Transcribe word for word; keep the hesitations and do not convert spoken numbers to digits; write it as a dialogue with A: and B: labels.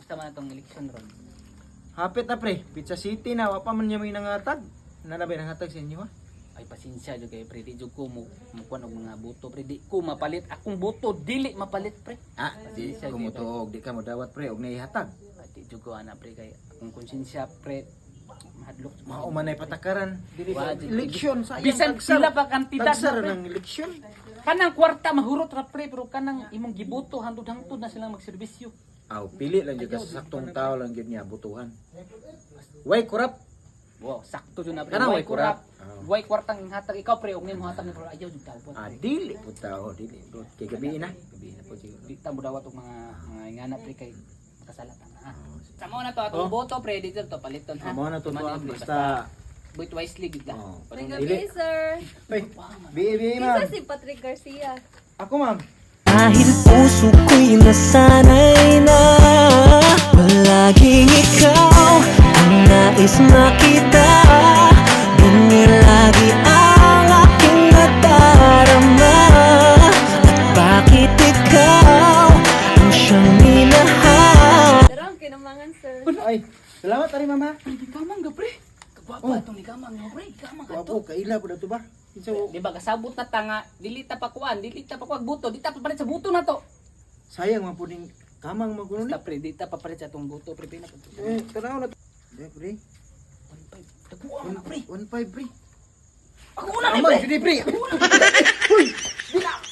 A: Basta man atong election ron.
B: Hapit na pre, Pizza City na, wapa man niya may nangatag. Nanabay nangatag sa inyo ha?
A: Ay pasensya jud kay pre, di jud ko mo mukuan og mga boto pre, di ko mapalit akong boto, dili mapalit pre.
B: Ah, di
A: Pasensya,
B: kumutuog, di ka mo dawat pre, og naihatag.
A: Ay di jud ko ana pre kay akong konsensya pre mahadlok.
B: Mao man ay patakaran. Dili
A: Wa,
B: sa
A: di-
B: eleksyon sa
A: Bisan sila pa kandidat
B: tagsar
A: na, pre.
B: ng eleksyon.
A: Kanang kwarta mahurot ra pre, pero kanang imong giboto hangtod-hangtod na silang magserbisyo.
B: Aw, pili lang jud ka sa saktong tao lang jud niya butuhan. Way kurap.
A: Wow, sakto jud na pre.
B: Kanang
A: Way
B: way kurap.
A: kurap.
B: Ah.
A: Way kwartang hatag ikaw pre, ug nimo hatag ni pro ayaw jud tao po.
B: Ah, dili po tao, dili bro. Kay gabi na.
A: Gabi na po siguro. Di ta mo dawat og mga mga ingana pre kay makasalatan na. Ah.
B: Oh.
A: Samo na to atong
B: Oh.
A: boto pre, dito to paliton ha.
B: Amo na to to
A: Mali,
B: ah,
A: pre,
B: basta
A: Wait wisely gid lang.
B: Oh.
A: Parang
C: May
B: Dili.
C: gabi, sir.
B: Ay, bi bi ma'am.
C: Isa si Patrick Garcia.
B: Ako ma'am.
D: Dahil puso ko'y nasanay na palaging ikaw ang nais makita. Ganyan lagi ang aking nadarama. At bakit ikaw ang siyang minahal?
C: Pero ang kinamangan, sir.
B: Ay, salamat ari mama.
A: Di kamang ga pre. Kagwapa
B: Oh.
A: atong ni kamang mo pre, kamang
B: Wapo
A: ato.
B: kaila po dato ba? So,
A: Di ba kasabot na tanga, dili ta pa kuan, dili ta pa kuan buto, di ta pa palit sa buto na to.
B: sayang man po ning kamang magkuno ni.
A: Basta pre, di ta pa palit sa atong buto pre, pina pa.
B: Eh, tanaw na. Eh, pre.
A: Dagwa na pre.
B: one five pre.
A: Ako na ni
B: Kamang
A: pre.
B: judi pre. Uy, dila.